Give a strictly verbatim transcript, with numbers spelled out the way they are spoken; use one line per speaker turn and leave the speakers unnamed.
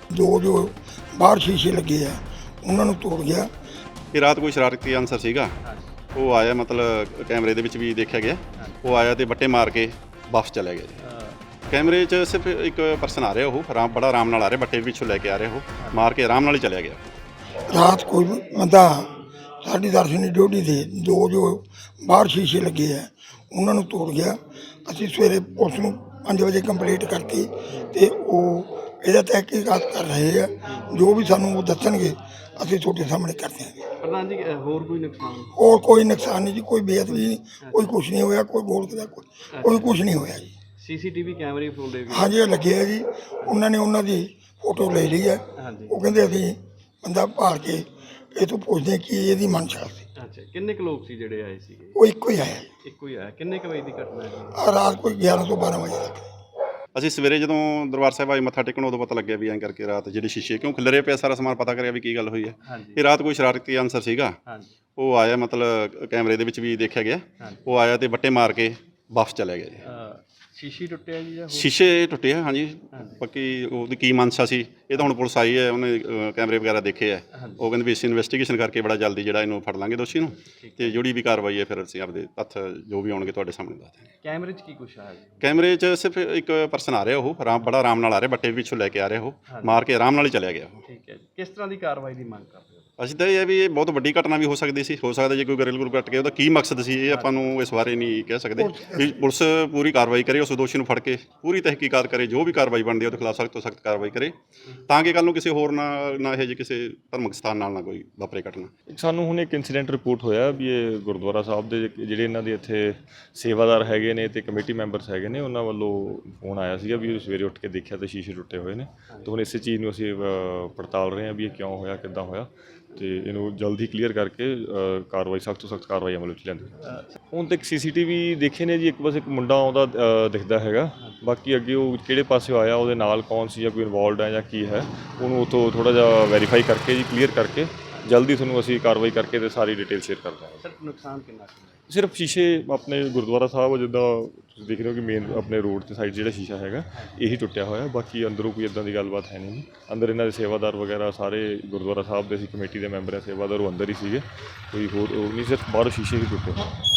जो जो बाहर शीशे लगे है उन्होंने तोड़ गया।
ਇਹ ਰਾਤ ਕੋਈ ਸ਼ਰਾਰਤੀ ਅਨਸਰ ਸੀਗਾ, ਉਹ ਆਇਆ ਮਤਲਬ ਕੈਮਰੇ ਦੇ ਵਿੱਚ ਵੀ ਦੇਖਿਆ ਗਿਆ, ਉਹ ਆਇਆ ਤੇ ਬੱਟੇ ਮਾਰ ਕੇ ਵਾਪਸ ਚਲਾ ਗਿਆ ਜੀ। ਕੈਮਰੇ 'ਚ ਸਿਰਫ ਇੱਕ ਪਰਸਨ ਆ ਰਿਹਾ, ਉਹ ਆਰਾਮ ਬੜਾ ਆਰਾਮ ਨਾਲ ਆ ਰਿਹਾ, ਬੱਟੇ ਪਿੱਛੋਂ ਲੈ ਕੇ ਆ ਰਿਹਾ, ਉਹ ਮਾਰ ਕੇ ਆਰਾਮ ਨਾਲ ਹੀ ਚਲਿਆ ਗਿਆ।
रात कोई बंदा साढ़े दस की ड्यूटी थी, दो जो बाहर शीशे लगे है उन्होंने तोड़ गया। ਅਸੀਂ ਸਵੇਰੇ ਪੁਲਿਸ ਨੂੰ ਪੰਜ ਵਜੇ ਕੰਪਲੀਟ ਕਰਤੀ ਤੇ ਉਹ ਇਹਦਾ ਤਹਿਕੀਕਾਤ ਕਰ ਰਹੇ ਆ। ਜੋ ਵੀ ਸਾਨੂੰ ਉਹ ਦੱਸਣਗੇ ਅਸੀਂ ਤੁਹਾਡੇ ਸਾਹਮਣੇ ਕਰ ਦਿਆਂਗੇ।
ਪ੍ਰਧਾਨ ਜੀ ਹੋਰ ਕੋਈ ਨੁਕਸਾਨ?
ਹੋਰ ਕੋਈ ਨੁਕਸਾਨ ਨਹੀਂ ਜੀ, ਕੋਈ ਬੇਅਦਬੀ ਨਹੀਂ, ਕੋਈ ਕੁਛ ਨਹੀਂ ਹੋਇਆ, ਕੋਈ ਗੋਲਕ ਦਾ ਕੋਈ ਕੋਈ ਕੁਛ ਨਹੀਂ ਹੋਇਆ ਜੀ।
ਸੀਸੀਟੀਵੀ ਕੈਮਰੇ ਫੋਲਦੇ ਵੀ?
ਹਾਂਜੀ, ਇਹ ਲੱਗੇ ਆ ਜੀ। ਉਹਨਾਂ ਨੇ ਉਹਨਾਂ ਦੀ ਫੋਟੋ ਲੈ ਲਈ ਹੈ।
ਹਾਂਜੀ।
ਉਹ ਕਹਿੰਦੇ ਅਸੀਂ ਬੰਦਾ ਭਾਲ ਕੇ ਇਹ ਤੋਂ ਪੁੱਛਦੇ ਕਿ ਇਹਦੀ ਮਨਸ਼ਾ ਸੀ।
ਅੱਛਾ, ਕਿੰਨੇ ਕੁ ਲੋਕ ਸੀ ਜਿਹੜੇ ਆਏ ਸੀਗੇ?
ਉਹ ਇੱਕੋ ਹੀ ਆਇਆ ਜੀ।
ਇੱਕੋ ਹੀ ਆਇਆ। ਕਿੰਨੇ ਕੁ ਵਜੇ ਦੀ ਘਟਨਾ ਹੈ ਜੀ?
ਆਹ ਰਾਤ ਕੋਈ ਗਿਆਰਾਂ ਤੋਂ ਬਾਰਾਂ ਵਜੇ ਤੱਕ।
ਅਸੀਂ ਸਵੇਰੇ ਜਦੋਂ ਦਰਬਾਰ ਸਾਹਿਬ ਆਏ ਮੱਥਾ ਟੇਕਣ, ਉਦੋਂ ਪਤਾ ਲੱਗਿਆ ਵੀ ਐਂ ਕਰਕੇ ਰਾਤ ਜਿਹੜੇ ਸ਼ੀਸ਼ੇ ਕਿਉਂ ਖਿਲਰੇ ਪਏ, ਸਾਰਾ ਸਮਾਨ ਪਤਾ ਕਰਿਆ ਵੀ ਕੀ ਗੱਲ ਹੋਈ ਹੈ।
ਹਾਂਜੀ।
ਇਹ ਰਾਤ ਕੋਈ ਸ਼ਰਾਰਤੀ ਅਨਸਰ ਸੀਗਾ,
ਹਾਂਜੀ।
ਉਹ ਆਇਆ ਮਤਲਬ ਕੈਮਰੇ ਦੇ ਵਿੱਚ ਵੀ ਦੇਖਿਆ ਗਿਆ, ਉਹ ਆਇਆ ਤੇ ਬੱਟੇ ਮਾਰ ਕੇ ਵਾਪਸ ਚਲਾ ਗਿਆ ਜੀ।
ਸ਼ੀਸ਼ੀ ਟੁੱਟਿਆ ਜੀ ਜਾਂ ਹੋਰ?
ਸ਼ੀਸ਼ੇ ਟੁੱਟੇ ਆ, ਹਾਂਜੀ। ਬਾਕੀ ਉਹਦੀ ਕੀ ਮਨਸ਼ਾ ਸੀ ਇਹ ਤਾਂ ਹੁਣ ਪੁਲਿਸ ਆਈ ਹੈ, ਉਹਨੇ ਅ, ਕੈਮਰੇ ਵਗੈਰਾ ਦੇਖੇ ਹੈ। ਉਹ ਕਹਿੰਦੇ ਵੀ ਅਸੀਂ ਇਨਵੈਸਟੀਗੇਸ਼ਨ ਕਰਕੇ ਬੜਾ ਜਲਦੀ ਜਿਹੜਾ ਇਹਨੂੰ ਫੜ ਲਾਂਗੇ ਦੋਸ਼ੀ ਨੂੰ, ਤੇ ਜਿਹੜੀ ਵੀ ਕਾਰਵਾਈ ਹੈ ਫਿਰ ਅਸੀਂ ਆਪਦੇ ਤੱਥ ਜੋ ਵੀ ਆਉਣਗੇ ਤੁਹਾਡੇ ਸਾਹਮਣੇ ਦੱਸ ਦਿਆਂਗੇ।
ਕੈਮਰੇ 'ਚ ਕੀ ਕੁਛ ਆਇਆ ਜੀ?
ਕੈਮਰੇ 'ਚ ਸਿਰਫ ਇੱਕ ਪਰਸਨ ਆ ਰਿਹਾ, ਉਹ ਆਰਾਮ ਬੜਾ ਆਰਾਮ ਨਾਲ ਆ ਰਿਹਾ, ਬੱਟੇ ਪਿੱਛੋਂ ਲੈ ਕੇ ਆ ਰਿਹਾ, ਉਹ ਮਾਰ ਕੇ ਆਰਾਮ ਨਾਲ ਹੀ ਚਲਿਆ ਗਿਆ ਉਹ।
ਠੀਕ ਹੈ ਜੀ। ਕਿਸ ਤਰ੍ਹਾਂ ਦੀ ਕਾਰਵਾਈ ਦੀ ਮੰਗ ਕਰਦੇ ਹੋ?
ਅਸੀਂ ਤਾਂ ਇਹ ਹੈ ਵੀ ਇਹ ਬਹੁਤ ਵੱਡੀ ਘਟਨਾ ਵੀ ਹੋ ਸਕਦੀ ਸੀ, ਹੋ ਸਕਦਾ ਜੇ ਕੋਈ ਗਰਿਲ ਗੁਰ ਕੱਟ ਕੇ ਉਹਦਾ ਕੀ ਮਕਸਦ ਸੀ ਇਹ ਆਪਾਂ ਨੂੰ ਇਸ ਬਾਰੇ ਨਹੀਂ ਕਹਿ ਸਕਦੇ। ਵੀ ਪੁਲਿਸ ਪੂਰੀ ਕਾਰਵਾਈ ਕਰੇ, ਉਸ ਦੋਸ਼ੀ ਨੂੰ ਫੜ ਕੇ ਪੂਰੀ ਤਹਿਕੀਕਾਤ ਕਰੇ, ਜੋ ਵੀ ਕਾਰਵਾਈ ਬਣਦੀ ਹੈ ਉਹਦੇ ਖਿਲਾਫ ਸਖਤ ਤੋਂ ਸਖਤ ਕਾਰਵਾਈ ਕਰੇ, ਤਾਂ ਕਿ ਕੱਲ੍ਹ ਨੂੰ ਕਿਸੇ ਹੋਰ ਨਾਲ ਨਾ ਇਹ ਜਿਹੇ ਕਿਸੇ ਧਾਰਮਿਕ ਸਥਾਨ ਨਾਲ ਨਾ ਕੋਈ ਵਾਪਰੇ ਘਟਨਾ।
ਸਾਨੂੰ ਹੁਣ ਇੱਕ ਇਨਸੀਡੈਂਟ ਰਿਪੋਰਟ ਹੋਇਆ ਵੀ ਇਹ ਗੁਰਦੁਆਰਾ ਸਾਹਿਬ ਦੇ ਜਿਹੜੇ ਇਹਨਾਂ ਦੇ ਇੱਥੇ ਸੇਵਾਦਾਰ ਹੈਗੇ ਨੇ ਤੇ ਕਮੇਟੀ ਮੈਂਬਰਸ ਹੈਗੇ ਨੇ, ਉਹਨਾਂ ਵੱਲੋਂ ਫੋਨ ਆਇਆ ਸੀਗਾ ਵੀ ਸਵੇਰੇ ਉੱਠ ਕੇ ਦੇਖਿਆ ਤਾਂ ਸ਼ੀਸ਼ੇ ਟੁੱਟੇ ਹੋਏ ਨੇ। ਤਾਂ ਹੁਣ ਇਸੇ ਚੀਜ਼ ਨੂੰ ਅਸੀਂ ਪੜਤਾਲ ਰਹੇ ਹਾਂ ਵੀ ਇਹ ਕਿਉਂ ਹੋਇਆ, ਕਿੱਦਾਂ ਹੋਇਆ, ਤੇ ਇਹਨੂੰ ਜਲਦੀ ਕਲੀਅਰ ਕਰਕੇ ਕਾਰਵਾਈ ਸਖਤ ਤੋਂ ਸਖਤ ਕਾਰਵਾਈ ਅਮਲ ਵਿੱਚ ਲਿਆਂਦੀ। ਹੁਣ ਤੱਕ ਸੀਸੀਟੀਵੀ ਦੇਖੇ ਨੇ ਜੀ, ਇੱਕ ਬਸ ਇੱਕ ਮੁੰਡਾ ਆਉਂਦਾ ਦਿਖਦਾ ਹੈਗਾ, ਬਾਕੀ ਅੱਗੇ ਉਹ ਕਿਹੜੇ ਪਾਸੇ ਆਇਆ, ਉਹਦੇ ਨਾਲ ਕੌਣ ਸੀ ਜਾਂ ਕੋਈ ਇਨਵੋਲਵਡ ਹੈ ਜਾਂ ਕੀ ਹੈ, ਉਹਨੂੰ ਉੱਥੋਂ ਥੋੜ੍ਹਾ ਜਿਹਾ ਵੈਰੀਫਾਈ ਕਰਕੇ ਜੀ ਕਲੀਅਰ ਕਰਕੇ ਜਲਦੀ ਤੁਹਾਨੂੰ ਅਸੀਂ ਕਾਰਵਾਈ ਕਰਕੇ ਤੇ ਸਾਰੀ ਡਿਟੇਲ ਸ਼ੇਅਰ ਕਰ ਦਾਂਗੇ।
ਸਰ ਨੁਕਸਾਨ ਕਿੰਨਾ ਸੀ?
ਸਿਰਫ ਸ਼ੀਸ਼ੇ ਆਪਣੇ ਗੁਰਦੁਆਰਾ ਸਾਹਿਬ ਜਿੱਦਾਂ ਤੁਸੀਂ ਦੇਖ ਰਹੇ ਹੋ ਕਿ ਮੇਨ ਆਪਣੇ ਰੋਡ ਤੇ ਸਾਈਡ ਜਿਹੜਾ ਸ਼ੀਸ਼ਾ ਹੈਗਾ ਇਹੀ ਟੁੱਟਿਆ ਹੋਇਆ, ਬਾਕੀ ਅੰਦਰੋਂ ਕੋਈ ਇੱਦਾਂ ਦੀ ਗੱਲਬਾਤ ਹੈ ਨਹੀਂ। ਅੰਦਰ ਇਹਨਾਂ ਦੇ ਸੇਵਾਦਾਰ ਵਗੈਰਾ ਸਾਰੇ ਗੁਰਦੁਆਰਾ ਸਾਹਿਬ ਦੇ ਸੀ, ਕਮੇਟੀ ਦੇ ਮੈਂਬਰ ਹੈ, ਸੇਵਾਦਾਰ ਉਹ ਅੰਦਰ ਹੀ ਸੀਗੇ, ਕੋਈ ਹੋਰ ਉਹ ਨਹੀਂ, ਸਿਰਫ ਬਾਹਰੋਂ ਸ਼ੀਸ਼ੇ ਹੀ ਟੁੱਟੇ।